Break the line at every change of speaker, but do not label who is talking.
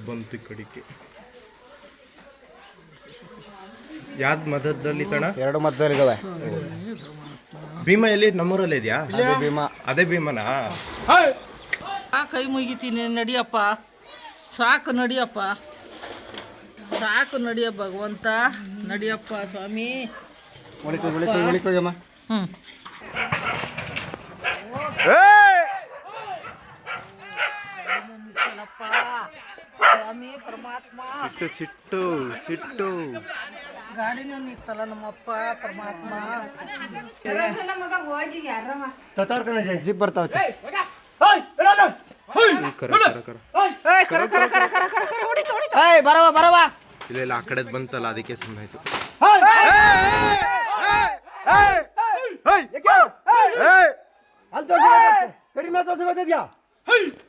ಬಂತು ಈ ಕಡೆಗೆ. ಯಾವ್ದು ಮಧ್ಯದಲ್ಲಿ ಕಣ?
2 ಮಧ್ಯದಲ್ಲಿದ್ದಾವೆ.
ಭೀಮ ಎಲ್ಲಿ? ನಮ್ಮೂರಲ್ಲಿ ಇದೆಯಾ?
ಭೀಮ.
ಅದೇ ಭೀಮನಾ?
ಕೈ ಮುಗಿತೀನಿ, ನಡಿಯಪ್ಪ, ಸಾಕು ನಡಿಯಪ್ಪ, ಸಾಕು ನಡಿಯ ಭಗವಂತ, ನಡಿಯಪ್ಪ ಸ್ವಾಮಿ.
ಹ್ಞೂ
ಸ್ವಾಮಿ ಪರಮಾತ್ಮ.
ಸಿಟ್ಟು ಸಿಟ್ಟು
ಗಾಡಿನೂ ನಿತ್ತಲ್ಲ ನಮ್ಮಪ್ಪ ಪರಮಾತ್ಮ.
ಜಿಪ್ ಬರ್ತಾವೆ. ಬರವ
ಇಲ್ಲ ಆ ಕಡೆ ಬಂತಲ್ಲ, ಅದಕ್ಕೆ ಸುಮ್ಮನಾಯ್ತು.
ಕಡಿಮೆ